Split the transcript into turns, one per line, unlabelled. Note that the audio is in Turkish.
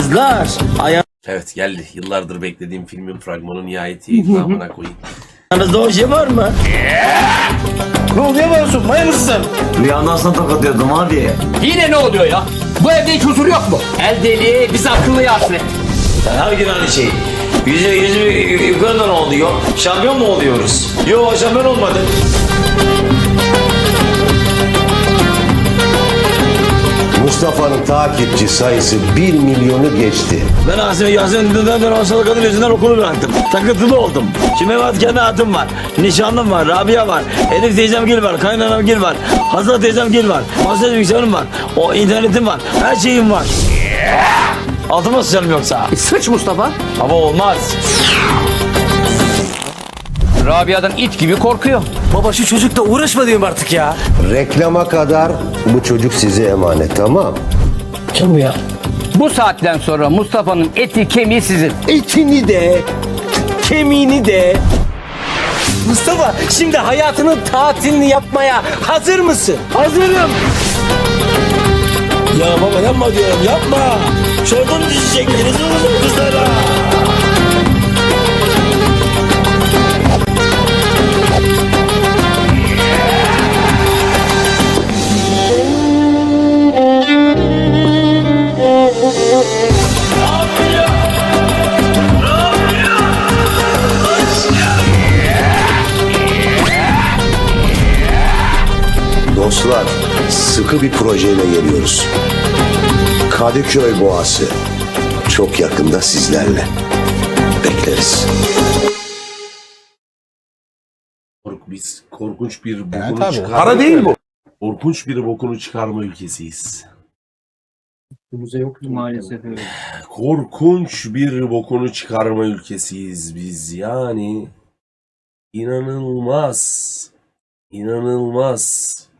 Kızlar
Evet geldi. Yıllardır beklediğim filmin fragmanı nihayetiydi. Amına koyayım.
ayağınızda oje var mı?
Ne oluyor Masum? Maya mısın?
Rüyandan sana tokatıyordum abi.
Yine ne oluyor ya? Bu evde hiç huzur yok mu? El deliği biz akıllıya hasret.
Her gün aynı şey. Yüzü yukarıdan oluyor. Şampiyon mu oluyoruz? Yok şampiyon olmadık.
Mustafa'nın takipçi sayısı 1 milyonu geçti.
Ben Yasemin'den hastalık kadın yüzünden okulu bıraktım. Takıntılı oldum. Şimdi evet kendi hayatım var. Nişanlım var, Rabia var. Elif teyzem Gül var, kaynanam Gül var. Hazal teyzem Gül var. Masaj bilgisayarım var. O internetim var. Her şeyim var. Altıma sıçarım yoksa.
Sıç Mustafa.
Ama olmaz.
Rabia'dan it gibi korkuyor.
Baba şu çocukla uğraşma diyorum artık ya.
Reklama kadar bu çocuk size emanet, tamam?
Kim bu ya?
Bu saatten sonra Mustafa'nın eti kemiği sizin.
Etini de, kemiğini de.
Mustafa şimdi hayatının tatilini yapmaya hazır mısın?
Hazırım. Ya baba yapma diyorum, yapma. Şuradan düşecektiniz oğlum kızlara.
Dostlar, sıkı bir projeyle geliyoruz. Kadıköy Boğası. Çok yakında sizlerle. Bekleriz.
Biz korkunç bir bokunu
Evet abi.
çıkarma.
Para değil bu.
Korkunç bir bokunu çıkarma ülkesiyiz.
Maalesef öyle.
Korkunç bir bokunu çıkarma ülkesiyiz biz. Yani inanılmaz. İnanılmaz.